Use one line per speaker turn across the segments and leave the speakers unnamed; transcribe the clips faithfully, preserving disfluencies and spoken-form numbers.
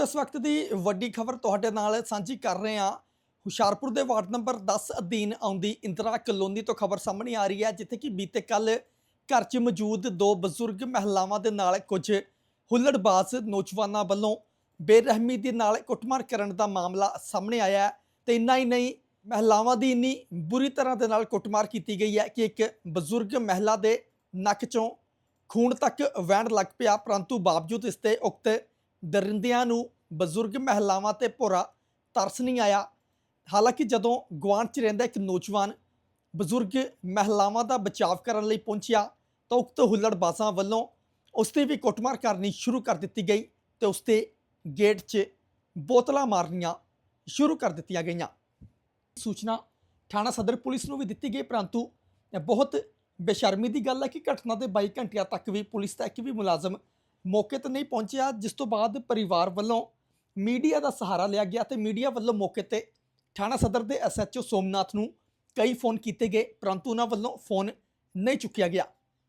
दोस्तों इस वक्त की वड्डी खबर तुहाडे नाल सांझी कर रहे हैं। हुशियारपुर के वार्ड नंबर दस अधीन आउंदी इंदिरा कलोनी तो खबर सामने आ रही है, जिथे कि बीते कल घर च मौजूद दो बजुर्ग महिलावां दे नाल कुछ हुल्लड़बाज नौजवानों वालों बेरहमी दे नाल कुटमार करन दा मामला सामने आया है। तो इन्ना ही नहीं, महिलावां दी इन्नी बुरी तरह दे नाल कुटमार की गई है कि एक बजुर्ग महिला दे नक चों खून तक वहन लग पिया, परंतु बावजूद इसके उक्त दरिंदियां नूं बजुर्ग महिलावां ते भोरा तरस नहीं आया। हालांकि जदों गुआंढ च रहिंदा एक नौजवान बजुर्ग महिलावां दा बचाव करन लई पहुंचिया तो उक्त हुल्लड़बाजां वल्लों उसकी भी कुटमार करनी शुरू कर दी गई तो उसके गेट च बोतलां मारनियां शुरू कर दित्तियां गईयां। सूचना थाणा सदर पुलिस नूं भी दित्ती गई, परंतु बहुत बेशर्मी की गल है कि घटना के बाई घंटिया तक भी पुलिस का एक भी मुलाजम मौके पर नहीं पहुंचा, जिस तो बाद परिवार वालों मीडिया का सहारा लिया गया तो मीडिया वालों मौके पर थाणा सदर के एस एच ओ सोमनाथ नूं कई फोन किए गए, परंतु उन्होंने वालों फोन नहीं चुकया गया।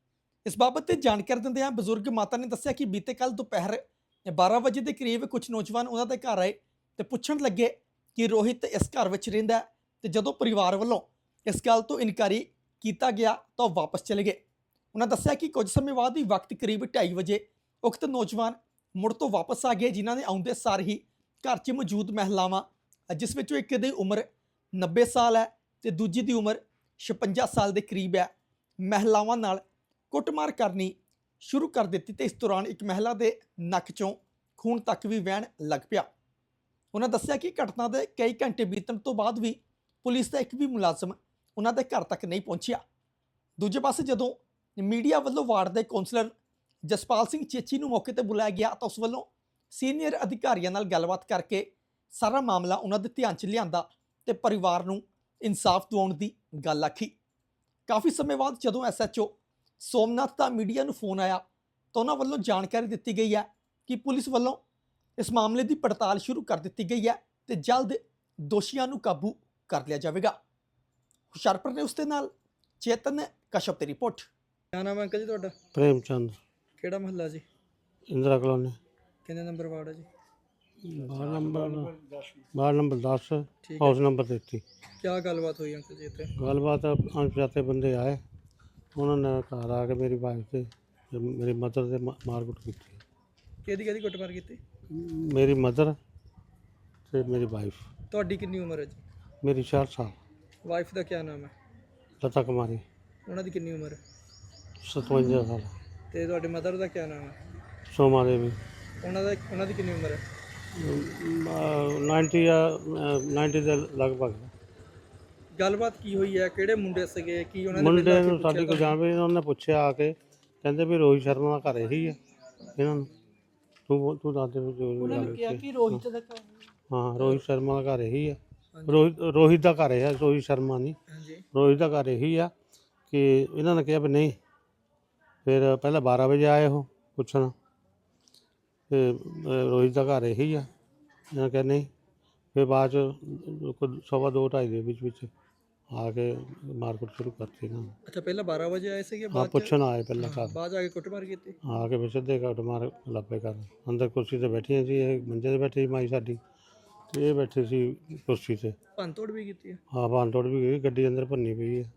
इस बाबत जानकारी दिंदे बजुर्ग माता ने दस्सिया कि बीते कल दोपहर बारह बजे के करीब कुछ नौजवान उन्होंने घर आए तो पुछण लगे कि रोहित इस घर में रहिंदा है, तो जदों परिवार वालों इस गल तो इनकारी किया गया तो वापस चले गए। उन्होंने दस्सिया कि कुछ समय बाद ही वक्त करीब ढाई बजे उक्त नौजवान मुड़ तो वापस आ गए, जिन्होंने आउंदे सार ही घर च मौजूद महिलावां जिस विचों एक दी उम्र नब्बे साल है तो दूजी की उम्र छपंजा साल के करीब है, महिलावां नाल कुटमार करनी शुरू कर दी। तो इस दौरान एक महिला के नक चों खून तक भी वहन लग पिया। उन्होंने दस्सिया कि घटना के कई घंटे बीतण तो बाद भी पुलिस का एक भी मुलाजम उन्होंने घर तक नहीं पहुंचा। दूजे पासे जदों मीडिया वालों वार्ड के कौंसलर जसपाल सिंह चेची नूं मौके पर बुलाया गया तो उस वालों सीनियर अधिकारियों नाल गलबात करके सारा मामला उन्होंने ध्यान च लियांदा ते परिवार नूं इंसाफ दिवाउण दी गल आखी। काफ़ी समय बाद जदों एस एच ओ सोमनाथ का मीडिया नूं फोन आया तो उन्होंने वालों जानकारी दी गई है कि पुलिस वालों इस मामले की पड़ताल शुरू कर दी गई है तो जल्द दोषियों नूं काबू कर लिया जाएगा। हुशियारपुर ने उसके नाल चेतन कश्यप की रिपोर्ट।
क्या नाम है अंकल जी ਤੁਹਾਡਾ?
प्रेमचंद
ਕਿਹੜਾ ਮਹੱਲਾ ਜੀ?
इंदिरा कॉलोनी
ਕਿੰਨੇ ਨੰਬਰ ਵਾਰਡ ਹੈ ਜੀ?
वार्ड नंबर वार्ड नंबर दस
ठीक
हाउस नंबर तैती।
क्या ਗੱਲਬਾਤ ਹੋਈ ਅੰਕਲ ਜੀ ਇੱਥੇ?
गलबात अनपछाते बंदे आए, उन्होंने घर आके मेरी वाइफ से ते मेरी मदर से मारकुट की।
ਕਿਹਦੀ ਕਿਹਦੀ ਕੁੱਟਮਾਰ ਕੀਤੀ?
मेरी मदर से मेरी वाइफ।
ਤੁਹਾਡੀ ਕਿੰਨੀ ਉਮਰ ਹੈ ਜੀ?
मेरी चार साल।
ਵਾਈਫ ਦਾ ਕੀ ਨਾਮ ਹੈ?
लता कुमारी
ਉਹਨਾਂ ਦੀ ਕਿੰਨੀ ਉਮਰ ਹੈ?
सतवंजा साल।
ਤੇ ਤੁਹਾਡੇ ਮਦਰ ਦਾ ਕੀ ਨਾਮ ਹੈ?
सोमा देवी
ਉਹਨਾਂ ਦਾ ਉਹਨਾਂ ਦੀ ਕਿੰਨੀ ਉਮਰ ਹੈ?
नाइनटी या नाइनटी के लगभग।
ਗੱਲਬਾਤ ਕੀ ਹੋਈ ਹੈ? ਕਿਹੜੇ ਮੁੰਡੇ ਸੀਗੇ? ਕੀ ਉਹਨਾਂ ਨੇ
ਮੁੰਡੇ
ਪਹਿਲਾਂ
ਨੂੰ ਸਾਡੀ ਕੋਈ ਜਾਣ ਵੀ ਨਹੀਂ, ਉਹਨੇ ਪੁੱਛਿਆ ਆ ਕੇ, ਕਹਿੰਦੇ ਵੀ ਰੋਹਿਤ ਸ਼ਰਮਾ ਦਾ ਘਰ ਇਹੀ ਹੈ ਇਹਨਾਂ ਨੂੰ। ਤੂੰ ਤੂੰ ਦੱਸ ਦੇ ਵੀ ਜੋ
ਉਹਨਾਂ ਨੇ ਕਿਹਾ ਕਿ ਰੋਹਿਤ ਦਾ ਘਰ?
ਹਾਂ, ਰੋਹਿਤ ਸ਼ਰਮਾ ਦਾ ਘਰ ਇਹੀ ਹੈ। ਰੋਹਿਤ ਰੋਹਿਤ ਦਾ ਘਰ ਹੈ, ਰੋਹਿਤ ਸ਼ਰਮਾ ਨਹੀਂ,
ਹਾਂਜੀ
ਰੋਹਿਤ ਦਾ ਘਰ ਇਹੀ ਆ। ਕਿ ਇਹਨਾਂ ਨੇ ਕਿਹਾ ਵੀ ਨਹੀਂ। ਫਿਰ ਪਹਿਲਾਂ ਬਾਰ੍ਹਾਂ ਵਜੇ ਆਏ ਉਹ ਪੁੱਛਣ ਤੇ ਰੋਹਿਤ ਦਾ ਘਰ ਇਹੀ ਆ, ਇਹਨਾਂ ਕਿਹਾ ਨਹੀਂ। ਫਿਰ ਬਾਅਦ ਚ ਸਵਾ ਦੋ ਢਾਈ ਦੇ ਵਿੱਚ ਵਿੱਚ ਆ ਕੇ ਮਾਰਕੀਟ ਸ਼ੁਰੂ ਕਰਤੀ ਇਹਨਾਂ ਨੇ।
ਅੱਛਾ, ਪਹਿਲਾਂ ਬਾਰ੍ਹਾਂ ਵਜੇ ਆਏ ਸੀਗੇ,
ਹਾਂ,
ਬਾਅਦ ਚ
ਪੁੱਛਣ ਆਏ ਪਹਿਲਾਂ ਘਰ,
ਬਾਅਦ 'ਚ ਆ ਕੇ ਕੁੱਟਮਾਰ ਕੀਤੀ?
ਆ ਕੇ ਫਿਰ ਸਿੱਧੇ ਕੱਟ ਮਾਰ ਲੱਪੇ ਕਰ ਅੰਦਰ ਕੁਰਸੀ ਤੇ ਬੈਠੀਆਂ ਸੀ, ਇਹ ਮੰਜੇ ਤੇ ਬੈਠੀ ਸੀ ਮਾਈ ਸਾਡੀ, ਤੇ ਇਹ ਬੈਠੇ ਸੀ ਕੁਰਸੀ ਤੇ।
ਭੰਨਤੋੜ ਵੀ ਕੀਤੀ ਹੈ?
ਹਾਂ, ਭੰਨ ਤੋੜ ਵੀ ਗਈ, ਗੱਡੀ ਅੰਦਰ ਭੰਨੀ ਪਈ ਹੈ।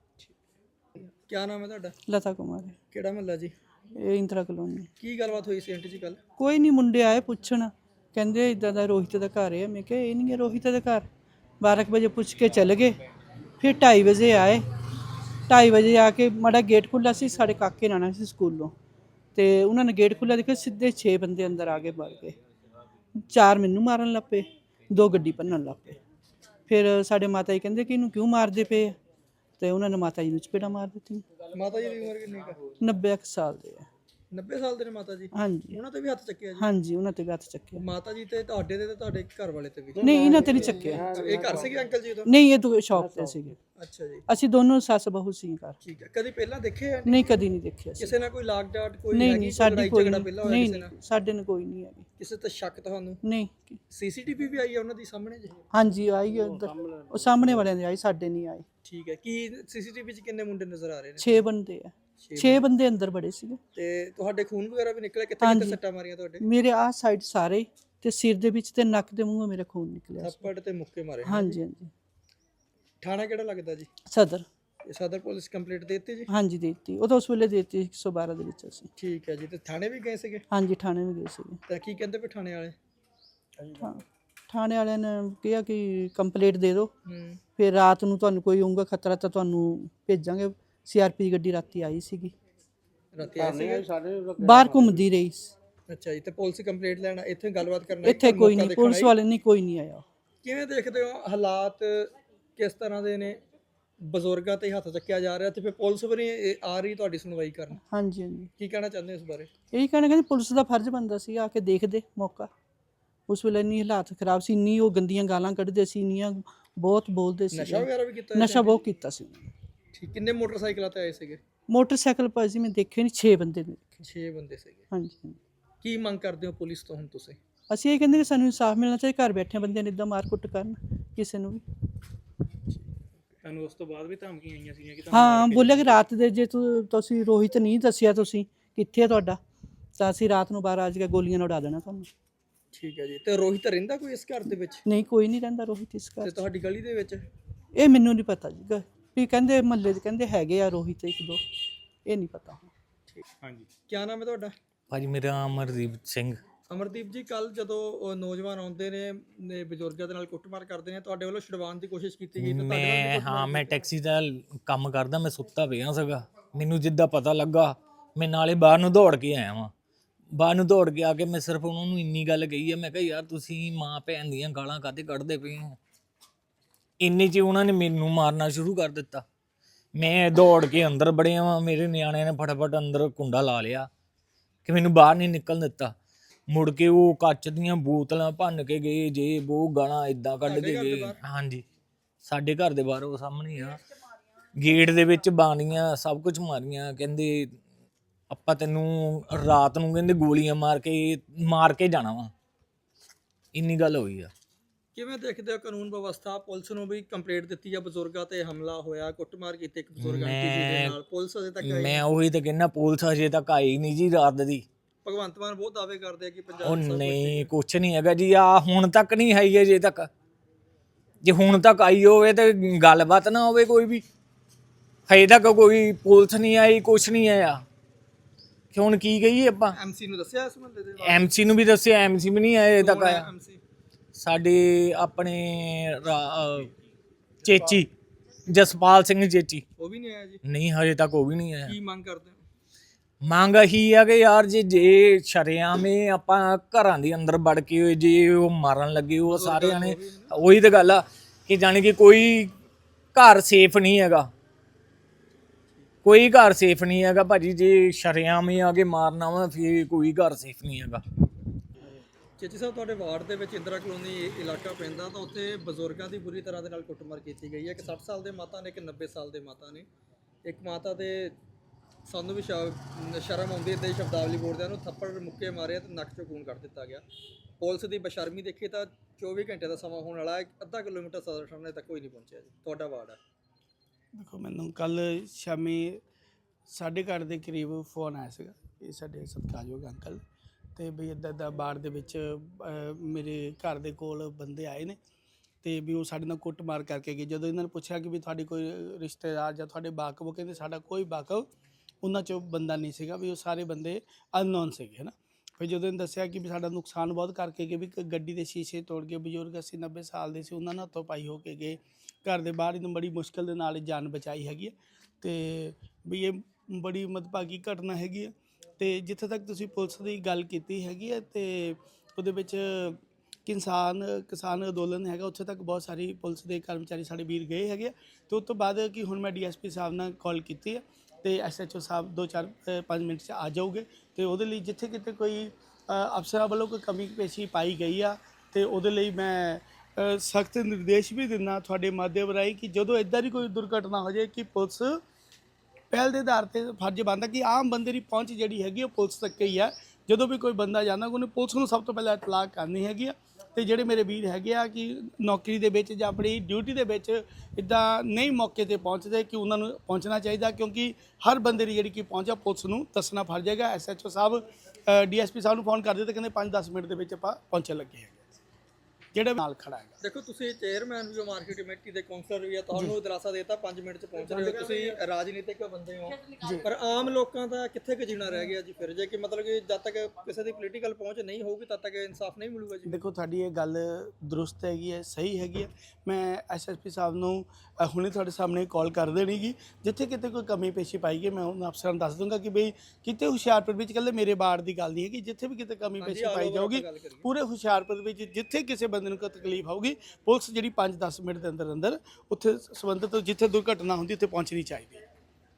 ਕੀ ਨਾਮ ਹੈ ਤੁਹਾਡਾ?
लता कुमारी,
ਕਿਹੜਾ ਮਹੱਲਾ ਜੀ?
ਇਹ ਇੰਦਰਾ ਕਲੋਨੀ।
ਕੀ ਗੱਲਬਾਤ ਹੋਈ ਸੀ ਆਂਟੀ ਜੀ ਕੱਲ?
ਕੋਈ ਨਹੀਂ, ਮੁੰਡੇ ਆਏ ਪੁੱਛਣ, ਕਹਿੰਦੇ ਇਦਾਂ ਦਾ ਰੋਹਿਤ ਦਾ ਘਰ ਹੈ। ਮੈਂ ਕਿਹਾ ਇਹ ਨਹੀਂ ਹੈ ਰੋਹਿਤ ਦਾ ਘਰ। ਬਾਰ੍ਹਾਂ ਕੁ ਵਜੇ ਪੁੱਛ ਕੇ ਚਲੇ ਗਏ। ਫਿਰ ਢਾਈ ਵਜੇ ਆਏ। ਢਾਈ ਵਜੇ ਆ ਕੇ ਮਾੜਾ ਗੇਟ ਖੁੱਲ੍ਹਾ ਸੀ, ਸਾਡੇ ਕਾਕੇ ਨਾਣਾ ਸੀ ਸਕੂਲੋਂ, ਤੇ ਉਹਨਾਂ ਨੇ ਗੇਟ ਖੁੱਲ੍ਹਾ ਦੇਖਿਆ, ਸਿੱਧੇ ਛੇ ਬੰਦੇ ਅੰਦਰ ਆ ਕੇ ਵੜ ਗਏ। ਚਾਰ ਮੈਨੂੰ ਮਾਰਨ ਲੱਗ ਪਏ, ਦੋ ਗੱਡੀ ਭੰਨਣ ਲੱਗ ਪਏ। ਫਿਰ ਸਾਡੇ ਮਾਤਾ ਜੀ ਕਹਿੰਦੇ ਕਿ ਇਹਨੂੰ ਕਿਉਂ ਮਾਰਦੇ ਪਏ ਆ, ਤੇ ਉਹਨਾਂ ਨੇ ਮਾਤਾ ਜੀ ਨੂੰ ਚਪੇੜਾ ਮਾਰ ਦਿੱਤੀ।
ਮਾਤਾ ਜੀ ਦੀ ਉਮਰ ਕਿੰਨੀ ਕੁ?
ਨੱਬੇ ਕੁ ਸਾਲ ਦੇ ਆ।
ਨੱਬੇ ਸਾਲ ਦੇ ਨੇ ਮਾਤਾ ਜੀ?
ਹਾਂਜੀ
ਉਹਨਾਂ ਤੇ ਵੀ ਹੱਥ ਚੱਕਿਆ ਜੀ?
ਹਾਂਜੀ, ਉਹਨਾਂ ਤੇ ਵੀ ਹੱਥ ਚੱਕਿਆ।
ਮਾਤਾ ਜੀ ਤੇ ਤੁਹਾਡੇ ਤੇ ਤੇ ਤੁਹਾਡੇ ਘਰ ਵਾਲੇ ਤੇ ਵੀ?
ਨਹੀਂ, ਇਹਨਾਂ ਤੇ ਨਹੀਂ ਚੱਕਿਆ।
ਇਹ ਘਰ ਸੀਗੇ ਅੰਕਲ ਜੀ ਉਦੋਂ?
ਨਹੀਂ, ਇਹ ਦੂ ਸ਼ੌਪ ਤੇ ਸੀਗੇ।
ਅੱਛਾ ਜੀ,
ਅਸੀਂ ਦੋਨੋਂ ਸੱਸ ਬਹੂ ਸੀ ਘਰ।
ਠੀਕ ਹੈ। ਕਦੀ ਪਹਿਲਾਂ ਦੇਖੇ ਆ?
ਨਹੀਂ, ਕਦੀ ਨਹੀਂ ਦੇਖਿਆ ਸੀ।
ਕਿਸੇ ਨਾਲ ਕੋਈ ਲਾਗ ਡਾਟ ਕੋਈ
ਨਹੀਂ
ਹੈਗੀ?
ਨਹੀਂ,
ਕੋਈ
ਸਾਡੀ
ਲੜਾਈ
ਕੋਈ
ਝਗੜਾ ਪਹਿਲਾਂ ਹੋਇਆ
ਨਹੀਂ,
ਕਿਸੇ ਨਾਲ?
ਸਾਡੇ ਨਾਲ ਕੋਈ ਨਹੀਂ ਹੈਗੀ।
ਕਿਸੇ ਤੇ ਸ਼ੱਕ ਤੁਹਾਨੂੰ?
ਨਹੀਂ।
ਸੀਸੀਟੀਵੀ ਵੀ ਆਈ ਹੈ ਉਹਨਾਂ ਦੀ ਸਾਹਮਣੇ ਜੀ?
ਹਾਂਜੀ, ਆਈ ਹੈ ਉੱਧਰ, ਉਹ ਸਾਹਮਣੇ ਵਾਲਿਆਂ ਦੀ ਆਈ, ਸਾਡੇ ਨਹੀਂ ਆਈ।
ਠੀਕ ਹੈ। ਕੀ ਸੀਸੀਟੀਵੀ 'ਚ ਕਿੰਨੇ ਮੁੰਡੇ ਨਜ਼ਰ ਆ ਰਹੇ ਨੇ?
ਛੇ ਬੰਦੇ ਆ, ਛੇ ਬੰਦੇ ਅੰਦਰ ਬੜੇ ਸੀਗੇ।
ਤੇ ਤੁਹਾਡੇ ਖੂਨ ਵਗੈਰਾ ਵੀ ਨਿਕਲਿਆ? ਕਿੱਥੇ ਕਿੱਥੇ ਸੱਟਾਂ ਮਾਰੀਆਂ ਤੁਹਾਡੇ?
ਮੇਰੇ ਆਹ ਸਾਈਡ ਸਾਰੇ ਤੇ ਸਿਰ ਦੇ ਵਿੱਚ ਤੇ ਨੱਕ ਦੇ ਮੂੰਹੋਂ ਮੇਰਾ ਖੂਨ ਨਿਕਲਿਆ ਸੀ।
ਥੱਪੜ ਤੇ ਮੁੱਕੇ ਮਾਰੇ ਹੈ
ਹਾਂਜੀ
ਜੀ?
ਹਾਂਜੀ
ਥਾਣਾ ਕਿਹੜਾ ਲੱਗਦਾ ਜੀ?
ਸਦਰ।
ਇਹ ਸਦਰ ਪੁਲਿਸ ਕੰਪਲੀਟ ਦੇ ਦਿੱਤੀ ਜੀ?
ਹਾਂਜੀ ਦੇ ਦਿੱਤੀ, ਉਹ ਤਾਂ ਉਸ ਵੇਲੇ ਦੇ ਦਿੱਤੀ ਇੱਕ ਸੌ ਬਾਰਾਂ ਦੇ ਵਿੱਚ ਅਸੀਂ।
ਠੀਕ ਹੈ ਜੀ। ਤੇ ਥਾਣੇ ਵੀ ਗਏ ਸੀਗੇ?
ਹਾਂਜੀ ਥਾਣੇ ਵੀ ਗਏ ਸੀਗੇ।
ਤਾਂ ਕੀ ਕਹਿੰਦੇ ਪਏ ਥਾਣੇ ਵਾਲੇ?
ਥਾ- ਥਾਣੇ ਵਾਲਿਆਂ ਨੇ ਕਿਹਾ ਕਿ ਕੰਪਲੇਂਟ ਦੇ ਦਿਓ,
ਹੂੰ।
ਫਿਰ ਰਾਤ ਨੂੰ ਤੁਹਾਨੂੰ ਕੋਈ ਹੋਊਗਾ ਖਤਰਾ ਤਾਂ ਤੁਹਾਨੂੰ ਭੇਜਾਂਗੇ। ਸੀਆਰਪੀ ਦੀ ਗੱਡੀ ਰਾਤੀ ਆਈ ਸੀਗੀ,
ਰਾਤੀ ਆਏ ਸੀਗੇ?
ਬਾਹਰ ਘੁੰਮਦੀ ਰਹੀ।
ਅੱਛਾ ਜੀ। ਤੇ ਪੁਲਿਸ ਕੰਪਲੀਟ ਲੈਣਾ ਇੱਥੇ ਗੱਲਬਾਤ ਕਰਨਾ?
ਇੱਥੇ ਕੋਈ ਨਹੀਂ, ਪੁਲਿਸ ਵਾਲੇ ਨਹੀਂ, ਕੋਈ ਨਹੀਂ ਆਇਆ।
ਕਿਵੇਂ ਦੇਖਦੇ ਹੋ ਹਾਲਾਤ ਕਿਸ ਤਰ੍ਹਾਂ ਦੇ ਨੇ? ਬਜ਼ੁਰਗਾਂ ਤੇ ਹੱਥ ਚੱਕਿਆ ਜਾ ਰਿਹਾ ਤੇ ਫਿਰ ਪੁਲਿਸ ਵੀ ਨਹੀਂ ਆ ਰਹੀ ਤੁਹਾਡੀ ਸੁਣਵਾਈ ਕਰਨ।
ਹਾਂਜੀ ਹਾਂਜੀ
ਕੀ ਕਹਿਣਾ ਚਾਹੁੰਦੇ ਹੋ ਇਸ ਬਾਰੇ?
ਇਹੀ ਕਹਿਣਾ ਕਹਿੰਦੇ ਪੁਲਿਸ ਦਾ ਫਰਜ਼ ਬਣਦਾ ਸੀ ਆ ਕੇ ਦੇਖਦੇ ਮੌਕਾ। ਉਸ ਵੇਲੇ ਇੰਨੀ ਹਾਲਾਤ ਖਰਾਬ ਸੀ, ਇੰਨੀ ਉਹ ਗੰਦੀਆਂ ਗਾਲਾਂ ਕੱਢਦੇ ਸੀ, ਇੰਨੀਆਂ ਬਹੁਤ ਬੋਲਦੇ ਸੀ।
ਨਸ਼ਾ ਵਗੈਰਾ ਵੀ ਕੀਤਾ ਹੋਇਆ
ਨਸ਼ਾ ਬਹੁਤ ਕੀਤਾ ਸੀ ਉਹਨਾਂ ਨੇ।
ਠੀਕ। ਕਿੰਨੇ ਮੋਟਰਸਾਈਕਲਾਂ ਤੇ ਆਏ ਸੀਗੇ?
ਮੋਟਰਸਾਈਕਲ ਭਾਜੀ ਮੈਂ ਦੇਖੇ ਨਹੀਂ, ਛੇ ਬੰਦੇ ਨੇ ਦੇਖੇ।
ਛੇ ਬੰਦੇ ਸੀਗੇ।
ਹਾਂਜੀ ਹਾਂਜੀ।
ਕੀ ਮੰਗ ਕਰਦੇ ਹੋ ਪੁਲਿਸ ਤੋਂ ਹੁਣ ਤੁਸੀਂ?
ਅਸੀਂ ਇਹ ਕਹਿੰਦੇ ਕਿ ਸਾਨੂੰ ਇਨਸਾਫ ਮਿਲਣਾ ਚਾਹੀਦਾ, ਘਰ ਬੈਠੇ ਬੰਦਿਆਂ ਨੇ ਇਦਾਂ ਮਾਰ ਕੁੱਟ ਕਰਨ ਕਿਸੇ ਨੂੰ ਵੀ।
ਤੁਹਾਨੂੰ ਉਸ ਤੋਂ ਬਾਅਦ ਵੀ ਧਮਕੀਆਂ ਆਈਆਂ ਸੀਗੀਆਂ ਕਿ
ਹਾਂ ਬੋਲਿਆ ਕਿ ਰਾਤ ਦੇ ਜੇ ਤੁ- ਤੁਸੀਂ ਰੋਹਿਤ ਨਹੀਂ ਦੱਸਿਆ ਤੁਸੀਂ ਕਿੱਥੇ ਆ ਤੁਹਾਡਾ, ਤਾਂ ਅਸੀਂ ਰਾਤ ਨੂੰ ਬਾਹਰ ਆ ਕੇ ਗੋਲੀਆਂ ਨਾਲ ਉਡਾ ਦੇਣਾ ਤੁਹਾਨੂੰ।
ਠੀਕ ਹੈ ਜੀ। ਤੇ ਰੋਹਿਤ ਰਹਿੰਦਾ ਕੋਈ ਇਸ ਘਰ ਦੇ ਵਿੱਚ?
ਨਹੀਂ ਕੋਈ ਨਹੀਂ ਰਹਿੰਦਾ ਰੋਹਿਤ ਇਸ
ਤੇ
ਘਰ 'ਚ।
ਤੁਹਾਡੀ ਗਲੀ ਦੇ ਵਿੱਚ?
ਇਹ ਮੈਨੂੰ ਨਹੀਂ ਪਤਾ ਜੀ, ਗ- ਵੀ ਕਹਿੰਦੇ ਮਹੱਲੇ 'ਚ ਕਹਿੰਦੇ ਹੈਗੇ ਆ ਰੋਹਿਤ ਇੱਕ ਦੋ, ਇਹ ਨਹੀਂ ਪਤਾ।
ਠੀਕ। ਹਾਂਜੀ। ਕੀ ਨਾਮ ਹੈ ਤੁਹਾਡਾ?
ਭਾਜੀ ਮੇਰਾ ਅਮਰਦੀਪ ਸਿੰਘ।
ਅਮਰਦੀਪ ਜੀ, ਕੱਲ ਜਦੋਂ ਉਹ ਨੌਜਵਾਨ ਆਉਂਦੇ ਨੇ ਨੇ ਬਜ਼ੁਰਗਾਂ ਦੇ ਨਾਲ ਕੁੱਟਮਾਰ ਕਰਦੇ ਨੇ, ਤੁਹਾਡੇ ਵੱਲੋਂ ਛੁਡਵਾਉਣ ਦੀ ਕੋਸ਼ਿਸ਼ ਕੀਤੀ ਗਈ ਤਾਂ ਤੁਹਾਡੇ ਵੱਲੋਂ ਵੀ
ਮੈਂ
ਕੁੱਟਮਾਰ
ਹਾਂ ਮੈਂ
ਕੀਤੀ?
ਟੈਕਸੀ ਦਾ ਕੰਮ ਕਰਦਾ, ਮੈਂ ਸੁੱਤਾ ਪਿਆ ਸੀਗਾ। ਮੈਨੂੰ ਜਿੱਦਾਂ ਪਤਾ ਲੱਗਾ ਮੈਂ ਨਾਲੇ ਬਾਹਰ ਨੂੰ ਦੌੜ ਕੇ ਆਇਆ ਵਾਂ। ਬਾਹਰ ਨੂੰ ਦੌੜ ਕੇ ਆ ਕੇ ਮੈਂ ਸਿਰਫ ਉਹਨਾਂ ਨੂੰ ਇੰਨੀ ਗੱਲ ਕਹੀ ਹੈ, ਮੈਂ ਕਿਹਾ ਯਾਰ ਤੁਸੀਂ ਮਾਂ ਭੈਣ ਦੀਆਂ ਗਾਲਾਂ ਕਾਹਤੇ ਕੱਢਦੇ ਪਏ ਹੋ। ਇੰਨੇ 'ਚ ਉਹਨਾਂ ਨੇ ਮੈਨੂੰ ਮਾਰਨਾ ਸ਼ੁਰੂ ਕਰ ਦਿੱਤਾ। ਮੈਂ ਦੌੜ ਕੇ ਅੰਦਰ ਵੜਿਆ ਵਾਂ, ਮੇਰੇ ਨਿਆਣਿਆਂ ਨੇ ਫਟਾਫਟ ਅੰਦਰ ਕੁੰਡਾ ਲਾ ਲਿਆ ਕਿ ਮੈਨੂੰ ਬਾਹਰ ਨਹੀਂ ਨਿਕਲਣ ਦਿੱਤਾ। ਮੁੜ ਕੇ ਉਹ ਕੱਚ ਦੀਆਂ ਬੋਤਲਾਂ ਭੰਨ ਕੇ ਗਏ, ਜੇ ਉਹ ਗਾਲਾਂ ਇਦਾਂ ਕੱਢ ਕੇ ਗਏ। ਹਾਂਜੀ ਸਾਡੇ ਘਰ ਦੇ ਬਾਹਰ ਉਹ ਸਾਹਮਣੇ ਆ, ਗੇਟ ਦੇ ਵਿੱਚ ਬਾਣੀਆਂ ਸਭ ਕੁਝ ਮਾਰੀਆਂ। ਕਹਿੰਦੇ ਆਪਾਂ ਤੈਨੂੰ ਰਾਤ ਨੂੰ ਕਹਿੰਦੇ ਗੋਲੀਆਂ ਮਾਰ ਕੇ ਮਾਰ ਕੇ ਜਾਣਾ ਵਾ, ਇੰਨੀ ਗੱਲ ਹੋਈ ਆ।
ਕਿਵੇਂ ਦੇਖਦੇ ਹੋ ਕਾਨੂੰਨ ਵਿਵਸਥਾ? ਪੁਲਿਸ ਨੂੰ ਵੀ ਕੰਪਲੇਂਟ ਦਿੱਤੀ ਆ, ਬਜ਼ੁਰਗਾਂ ਤੇ ਹਮਲਾ ਹੋਇਆ, ਕੁੱਟਮਾਰ ਕੀਤੀ ਇੱਕ ਬਜ਼ੁਰਗ ਆਂਟੀ ਜੀ ਦੇ ਨਾਲ, ਪੁਲਿਸ ਅਜੇ ਤੱਕ ਆਈ
ਮੈਂ
ਨਹੀਂ।
ਉਹੀ ਤਾਂ ਕਹਿੰਦਾ ਪੁਲਿਸ ਅਜੇ ਤੱਕ ਆਈ ਨਹੀਂ ਜੀ ਰਾਤ ਦੀ।
ਭਗਵੰਤ ਮਾਨ ਬਹੁਤ ਦਾਅਵੇ ਕਰਦੇ ਆ ਕਿ ਪੰਜਾਬ
ਉਹ
ਸਭ ਕੁਛ
ਨਹੀਂ ਕੁਛ ਨਹੀਂ ਹੈਗਾ ਜੀ, ਆ ਹੁਣ ਤੱਕ ਨਹੀਂ ਆਈ ਅਜੇ ਤੱਕ। ਜੇ ਹੁਣ ਤੱਕ ਆਈ ਹੋਵੇ ਤੇ ਗੱਲਬਾਤ ਨਾ ਹੋਵੇ ਕੋਈ ਵੀ। ਹਜੇ ਤੱਕ ਕੋਈ ਪੁਲਿਸ ਨਹੀਂ ਆਈ, ਕੁਛ ਨਹੀਂ ਆਇਆ ਕਿ ਹੁਣ ਕੀ ਕਹੀਏ ਆਪਾਂ।
ਐਮਸੀ ਨੂੰ ਦੱਸਿਆ ਇਸ ਬੰਦੇ ਦੇ
ਐਮਸੀ ਨੂੰ ਵੀ ਦੱਸਿਆ, ਐਮਸੀ ਵੀ ਨਹੀਂ ਆਏ ਤੱਕ ਆਇਆ।
ਐਮਸੀ
ਸਾਡੇ ਆਪਣੇ ਰਾ- ਅਹ ਚੇਚੀ ਜਸਪਾਲ ਸਿੰਘ ਚੇਚੀ
ਉਹ ਵੀ ਨਹੀਂ ਆਇਆ ਜੀ?
ਨਹੀਂ ਹਜੇ ਤੱਕ ਉਹ ਵੀ ਨਹੀਂ ਆਇਆ।
ਕੀ ਮੰਗ ਕਰਦੇ ਹੋ?
ਮੰਗ ਇਹੀ ਆ ਕਿ ਯਾਰ ਜੇ ਜੇ ਸ਼ਰੇਆਮੇ ਆਪਾਂ ਘਰਾਂ ਦੇ ਅੰਦਰ ਵੜ ਕੇ ਜੇ ਉਹ ਮਾਰਨ ਲੱਗੇ ਉਹ ਸਾਰਿਆਂ ਨੇ, ਉਹੀ ਤਾਂ ਗੱਲ ਆ ਕਿ ਜਾਣੀ ਕਿ ਕੋਈ ਘਰ ਸੇਫ ਨਹੀਂ ਹੈਗਾ, ਕੋਈ ਘਰ ਸੇਫ ਨਹੀਂ ਹੈਗਾ ਭਾਜੀ। ਜੇ ਸ਼ਰੇਆਮੇ ਆ ਕੇ ਮਾਰਨਾ ਵਾ ਫਿਰ ਕੋਈ ਘਰ ਸੇਫ ਨਹੀਂ ਹੈਗਾ।
ਚੇਚੀ ਸਾਹਿਬ, ਤੁਹਾਡੇ ਵਾਰਡ ਦੇ ਵਿੱਚ ਇੰਦਰਾ ਕਲੋਨੀ ਇਲਾਕਾ ਪੈਂਦਾ, ਤਾਂ ਉੱਥੇ ਬਜ਼ੁਰਗਾਂ ਦੀ ਬੁਰੀ ਤਰ੍ਹਾਂ ਦੇ ਨਾਲ ਕੁੱਟਮਾਰ ਕੀਤੀ ਗਈ ਹੈ। ਇੱਕ ਸੱਠ ਸਾਲ ਦੇ ਮਾਤਾ ਨੇ, ਇੱਕ ਨੱਬੇ ਸਾਲ ਦੇ ਮਾਤਾ ਨੇ। ਇੱਕ ਮਾਤਾ ਦੇ ਸਾਨੂੰ ਵੀ ਸ਼ਾ- ਸ਼ਰਮ ਆਉਂਦੀ ਹੈ ਤੇ ਸ਼ਬਦਾਵਲੀ ਬੋਲਦਿਆਂ ਨੂੰ, ਥੱਪੜ ਮੁੱਕੇ ਮਾਰੇ ਤੇ ਨੱਕ 'ਚੋਂ ਖੂਨ ਕੱਢ ਦਿੱਤਾ ਗਿਆ। ਪੁਲਿਸ ਦੀ ਬੇਸ਼ਰਮੀ ਦੇਖੀ ਤਾਂ ਚੌਵੀ ਘੰਟੇ ਦਾ ਸਮਾਂ ਹੋਣ ਵਾਲਾ ਹੈ, ਅੱਧਾ ਕਿਲੋਮੀਟਰ ਸਦਰ ਸਾਹਮਣੇ ਤੱਕ ਕੋਈ ਨਹੀਂ ਪਹੁੰਚਿਆ ਜੀ। ਤੁਹਾਡਾ ਵਾਰਡ ਹੈ।
ਦੇਖੋ ਮੈਨੂੰ ਕੱਲ ਸ਼ਾਮੀ ਸਾਢੇ ਕੁ ਅੱਠ ਦੇ ਕਰੀਬ ਫੋਨ ਆਇਆ ਸੀਗਾ, ਇਹ ਸਾਡੇ ਸਤਿਕਾਰਯੋਗ ਅੰਕਲ, ਤੇ ਵੀ ਇੱਦਾਂ ਇੱਦਾਂ ਬਾੜ ਦੇ ਵਿੱਚ ਅਹ, ਮੇਰੇ ਘਰ ਦੇ ਕੋਲ ਬੰਦੇ ਆਏ ਨੇ ਤੇ ਵੀ ਉਹ ਸਾਡੇ ਨਾਲ ਕੁੱਟਮਾਰ ਕਰਕੇ ਗਏ। ਜਦੋਂ ਇਹਨਾਂ ਨੇ ਪੁੱਛਿਆ ਕਿ ਵੀ ਤੁਹਾਡੀ ਕੋਈ ਰਿਸ਼ਤੇਦਾਰ ਜਾਂ ਤੁਹਾਡੇ ਵਾਕਫ, ਉਹ ਕਹਿੰਦੇ ਸਾਡਾ ਕੋਈ ਵਾਕਫ ਉਹਨਾਂ 'ਚੋਂ ਬੰਦਾ ਨਹੀਂ ਸੀਗਾ, ਵੀ ਉਹ ਸਾਰੇ ਬੰਦੇ ਅਨਨੋਨ ਸੀਗੇ ਹੈ ਨਾ। ਫਿਰ ਜਦੋਂ ਇਹਨੇ ਦੱਸਿਆ ਕਿ ਵੀ ਸਾਡਾ ਨੁਕਸਾਨ ਬਹੁਤ ਕਰਕੇ ਗਏ, ਵੀ ਇੱਕ ਗੱਡੀ ਦੇ ਸ਼ੀਸ਼ੇ ਤੋੜ ਕੇ, ਬਜ਼ੁਰਗ ਅੱਸੀ ਨੱਬੇ ਸਾਲ ਦੇ ਸੀ, ਉਹਨਾਂ ਨਾਲ ਹੱਥੋਂ ਪਾਈ ਹੋ ਕੇ ਗਏ। ਘਰ ਦੇ ਬਾਹਰ ਇਹਨੂੰ ਬੜੀ ਮੁਸ਼ਕਿਲ ਦੇ ਨਾਲ ਜਾਨ ਬਚਾਈ ਹੈਗੀ ਹੈ ਤੇ ਵੀ ਇਹ ਬੜੀ ਮੰਦਭਾਗੀ ਘਟਨਾ ਹੈਗੀ ਹੈ। ਤੇ ਜਿੱਥੇ ਤੱਕ ਤੁਸੀਂ ਪੁਲਿਸ ਦੀ ਗੱਲ ਕੀਤੀ ਹੈਗੀ ਹੈ ਤੇ ਉਹਦੇ ਵਿੱਚ ਕਿਸਾਨ ਕਿਸਾਨ ਅੰਦੋਲਨ ਹੈਗਾ, ਉੱਥੇ ਤੱਕ ਬਹੁਤ ਸਾਰੀ ਪੁਲਿਸ ਦੇ ਕਰਮਚਾਰੀ ਸਾਡੇ ਵੀਰ ਗਏ ਹੈਗੇ। ਤੇ ਉਸ ਤੋਂ ਬਾਅਦ ਕਿ ਹੁਣ ਮੈਂ ਡੀਐਸਪੀ ਸਾਹਿਬ ਨਾਲ ਕਾਲ ਕੀਤੀ ਹੈ ਤੇ ਐਸਐਚਓ ਸਾਹਿਬ ਦੋ ਚਾਰ ਪੰਜ ਮਿੰਟ 'ਚ ਆ ਜਾਊਗੇ। ਤੇ ਉਹਦੇ ਲਈ ਜਿੱਥੇ ਕਿਤੇ ਕੋਈ ਅਫਸਰਾਂ ਵੱਲੋਂ ਕੋਈ ਕਮੀ ਪੇਸ਼ੀ ਪਾਈ ਗਈ ਆ ਤੇ ਉਹਦੇ ਲਈ ਮੈਂ ਸਖਤ ਨਿਰਦੇਸ਼ ਵੀ ਦਿੰਦਾ ਤੁਹਾਡੇ ਮਾਧਿਅਮ ਰਾਹੀਂ ਕਿ ਜਦੋਂ ਇੱਦਾਂ ਦੀ ਕੋਈ ਦੁਰਘਟਨਾ ਹੋ ਜਾਏ ਕਿ ਪੁਲਿਸ ਪਹਿਲ ਦੇ ਆਧਾਰ 'ਤੇ ਫਰਜ਼ ਬਣਦਾ ਕਿ ਆਮ ਬੰਦੇ ਦੀ ਪਹੁੰਚ ਜਿਹੜੀ ਹੈਗੀ ਉਹ ਪੁਲਿਸ ਤੱਕ ਹੀ ਹੈ। ਜਦੋਂ ਵੀ ਕੋਈ ਬੰਦਾ ਜਾਂਦਾ ਉਹਨੇ ਪੁਲਿਸ ਨੂੰ ਸਭ ਤੋਂ ਪਹਿਲਾਂ ਇਤਲਾਹ ਕਰਨੀ ਹੈਗੀ ਆ। ਤੇ ਜਿਹੜੇ ਮੇਰੇ ਵੀਰ ਹੈਗੇ ਆ ਕਿ ਨੌਕਰੀ ਦੇ ਵਿੱਚ ਜਾਂ ਆਪਣੀ ਡਿਊਟੀ ਦੇ ਵਿੱਚ ਇੱਦਾਂ ਨਹੀਂ ਮੌਕੇ 'ਤੇ ਪਹੁੰਚਦੇ, ਕਿ ਉਹਨਾਂ ਨੂੰ ਪਹੁੰਚਣਾ ਚਾਹੀਦਾ, ਕਿਉਂਕਿ ਹਰ ਬੰਦੇ ਦੀ ਜਿਹੜੀ ਕਿ ਪਹੁੰਚਾ ਪੁਲਿਸ ਨੂੰ ਦੱਸਣਾ ਫਰਜ਼ ਹੈਗਾ। ਐਸਐਚਓ ਸਾਹਿਬ ਡੀਐਸਪੀ ਸਾਹਿਬ ਨੂੰ ਫੋਨ ਕਰ ਦਿੱਤਾ, ਕਹਿੰਦੇ ਪੰਜ ਦਸ ਮਿੰਟ ਦੇ ਵਿੱਚ ਆਪਾਂ ਪਹੁੰਚਣ ਲੱਗੇ ਹੈਗੇ, ਜਿਹੜਾ ਨਾਲ ਖੜਾ ਹੈਗਾ।
ਦੇਖੋ ਤੁਸੀਂ ਚੇਅਰਮੈਨ ਵੀ ਹੋ ਮਾਰਕੀਟ ਕਮੇਟੀ ਦੇ, ਕਾਉਂਸਲਰ ਵੀ ਆ, ਤੁਹਾਨੂੰ ਦਿਲਾਸਾ ਦੇਤਾ ਪੰਜ ਮਿੰਟ ਚ ਪਹੁੰਚ ਰਹੇ ਹੋ, ਤੁਸੀਂ ਰਾਜਨੀਤਿਕ ਬੰਦੇ ਹੋ, ਪਰ ਆਮ ਲੋਕਾਂ ਦਾ ਕਿੱਥੇ ਕੁ ਜੀਣਾ ਰਹਿ ਗਿਆ ਜੀ ਫਿਰ, ਜੇ ਕਿ ਮਤਲਬ ਕਿ ਜਦ ਤੱਕ ਕਿਸੇ ਦੀ ਪੋਲੀਟੀਕਲ ਪਹੁੰਚ ਨਹੀਂ ਹੋਊਗੀ ਤਦ ਤੱਕ ਇਨਸਾਫ ਨਹੀਂ ਮਿਲੂਗਾ ਜੀ।
ਦੇਖੋ ਤੁਹਾਡੀ ਇਹ ਗੱਲ ਦਰੁਸਤ ਹੈਗੀ ਹੈ, ਸਹੀ ਹੈਗੀ ਹੈ। ਮੈਂ ਐਸਐਸਪੀ ਸਾਹਿਬ ਨੂੰ ਅ, ਹੁਣੇ ਤੁਹਾਡੇ ਸਾਹਮਣੇ ਕਾਲ ਕਰ ਦੇਣੀ ਗੀ, ਜਿੱਥੇ ਕਿਤੇ ਕੋਈ ਕਮੀ ਪੇਸ਼ੀ ਪਾਈ ਗਈ ਮੈਂ ਉਹਨਾਂ ਅਫਸਰਾਂ ਨੂੰ ਦੱਸ ਦੂੰਗਾ ਕਿ ਬਈ ਕਿਤੇ ਹੁਸ਼ਿਆਰਪੁਰ ਵਿੱਚ ਇਕੱਲੇ ਮੇਰੇ ਬਾੜ ਦੀ ਗੱਲ ਨਹੀਂ ਹੈ ਕਿ ਜਿੱਥੇ ਵੀ ਕਿਤੇ ਕਮੀ
ਹਾਂਜੀ,
ਪੇਸ਼ੀ
all
ਪਾਈ
over
ਜਾਊਗੀ
ਆਪਾਂ ਗੱਲ ਕਰੀਏ।
ਪੂਰੇ ਹੁਸ਼ਿਆਰਪੁਰ ਵਿੱਚ ਜਿੱਥੇ ਕਿਸੇ ਬੰਦੇ ਨੂੰ ਕੋਈ ਤਕਲੀਫ ਆਊਗੀ, ਪੁਲਿਸ ਜਿਹੜੀ ਪੰਜ ਦਸ ਮਿੰਟ ਦੇ ਅੰਦਰ ਅੰਦਰ ਉੱਥੇ ਸੰਬੰਧਿਤ ਜਿੱਥੇ ਦੁਰਘਟਨਾ ਹੁੰਦੀ ਉੱਥੇ ਪਹੁੰਚਣੀ ਚਾਹੀਦੀ ਹੈ।